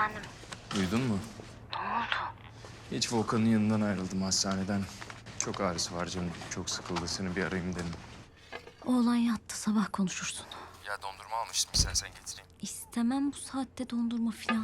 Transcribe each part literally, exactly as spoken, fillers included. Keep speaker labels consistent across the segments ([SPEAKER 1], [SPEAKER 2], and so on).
[SPEAKER 1] Efendim?
[SPEAKER 2] Duydun mu?
[SPEAKER 1] Ne oldu?
[SPEAKER 2] Hiç Volkan'ın yanından ayrıldım hastaneden. Çok ağrısı var canım. Çok sıkıldı. Seni bir arayayım dedim.
[SPEAKER 1] Oğlan yattı, sabah konuşursun.
[SPEAKER 2] Ya dondurma almıştım. İstersen getireyim.
[SPEAKER 1] İstemem bu saatte dondurma filan.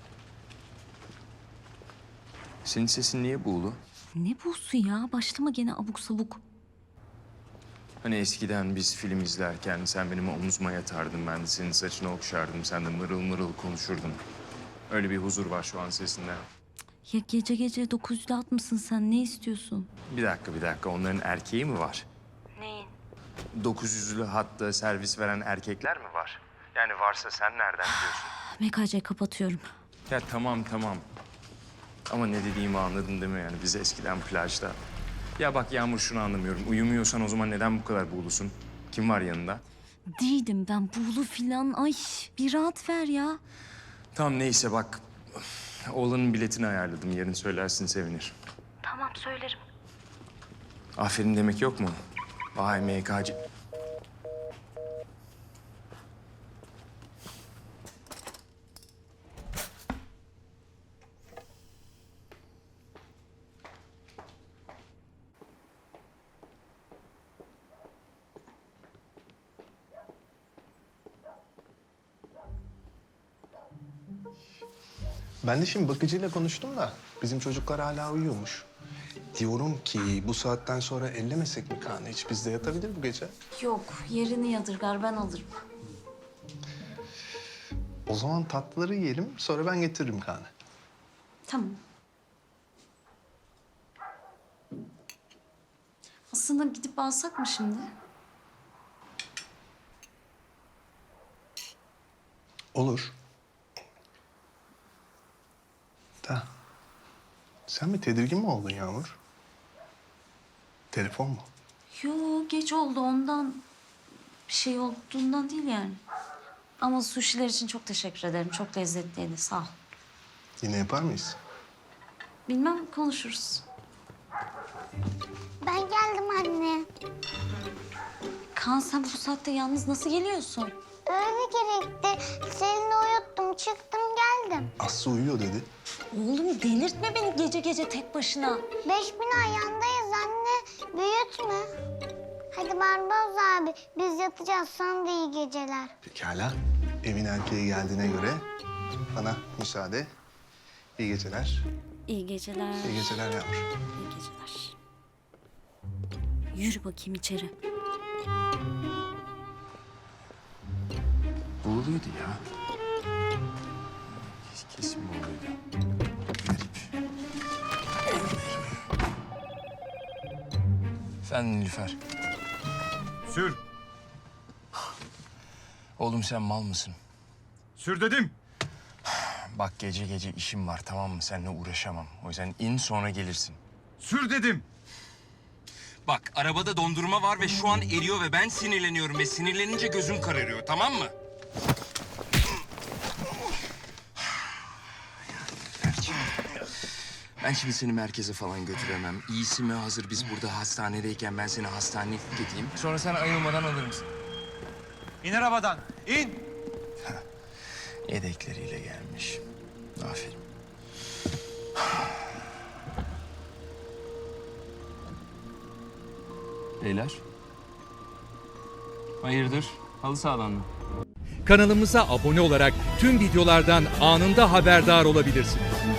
[SPEAKER 2] Senin sesin niye buğulu?
[SPEAKER 1] Ne busu ya? Başlama gene abuk sabuk.
[SPEAKER 2] Hani eskiden biz film izlerken sen benim omzuma yatardın. Ben de senin saçını okşardım. Sen de mırıl mırıl konuşurdun. Öyle bir huzur var şu an sesinde.
[SPEAKER 1] Ya gece gece dokuz yüzde at mısın sen? Ne istiyorsun?
[SPEAKER 2] Bir dakika bir dakika. Onların erkeği mi var?
[SPEAKER 1] Neyin?
[SPEAKER 2] dokuz yüzlü hatta servis veren erkekler mi var? Yani varsa sen nereden biliyorsun?
[SPEAKER 1] M K C kapatıyorum.
[SPEAKER 2] Ya tamam tamam. Ama ne dediğimi anladın değil mi yani? Biz eskiden plajda. Ya bak Yağmur, şunu anlamıyorum. Uyumuyorsan o zaman neden bu kadar buğulusun? Kim var yanında?
[SPEAKER 1] Değildim ben buğulu filan. Ay bir rahat ver ya.
[SPEAKER 2] Tamam neyse bak. Oğlanın biletini ayarladım. Yarın söylersin sevinir.
[SPEAKER 1] Tamam söylerim.
[SPEAKER 2] Aferin demek yok mu? Vay M K C.
[SPEAKER 3] Ben de şimdi bakıcıyla konuştum da bizim çocuklar hala uyuyormuş. Diyorum ki bu saatten sonra ellemesek mi Kaan'ı hiç? Bizde yatabilir bu gece.
[SPEAKER 1] Yok yerini yadırgar ben alırım.
[SPEAKER 3] O zaman tatlıları yiyelim, sonra ben getiririm Kaan'ı.
[SPEAKER 1] Tamam. Aslında gidip alsak mı şimdi?
[SPEAKER 3] Olur. Da. Sen bir tedirgin mi oldun Yağmur? Telefon mu?
[SPEAKER 1] Yo geç oldu ondan. Bir şey olduğundan değil yani. Ama suşiler için çok teşekkür ederim. Çok lezzetliydi sağ ol.
[SPEAKER 3] Yine yapar mıyız?
[SPEAKER 1] Bilmem konuşuruz.
[SPEAKER 4] Ben geldim anne.
[SPEAKER 1] Kaan sen bu saatte yalnız nasıl geliyorsun?
[SPEAKER 4] Öyle gerekti. Selin'i uyuttum, çıktım geldim.
[SPEAKER 3] Aslı uyuyor dedi.
[SPEAKER 1] Oğlum delirtme beni gece gece tek başına.
[SPEAKER 4] Beş bin ayağındayız anne. Büyütme. Hadi Barbaros abi, biz yatacağız. Sana da iyi geceler.
[SPEAKER 3] Pekala. Evin erkeği geldiğine göre bana müsaade. İyi geceler.
[SPEAKER 1] İyi geceler.
[SPEAKER 3] İyi geceler Yağmur.
[SPEAKER 1] İyi geceler. Yürü bakayım içeri.
[SPEAKER 2] Buğuluydu ya. Kesin buğuluydu. Garip. Efendim Nilüfer.
[SPEAKER 5] Sür.
[SPEAKER 2] Oğlum sen mal mısın?
[SPEAKER 5] Sür dedim.
[SPEAKER 2] Bak gece gece işim var, tamam mı? Seninle uğraşamam. O yüzden in sonra gelirsin.
[SPEAKER 5] Sür dedim.
[SPEAKER 6] Bak arabada dondurma var ve şu an eriyor ve ben sinirleniyorum ve sinirlenince gözüm kararıyor, tamam mı? Ben şimdi seni merkeze falan götüremem. İyisi mi hazır biz burada hastanedeyken ben seni hastaneye gideyim. Sonra sen ayılmadan alır mısın?
[SPEAKER 5] İn arabadan. İn.
[SPEAKER 2] Yedekleriyle gelmiş. Aferin. Beyler. Hayırdır? Halı sahadan mı?
[SPEAKER 7] Kanalımıza abone olarak tüm videolardan anında haberdar olabilirsiniz.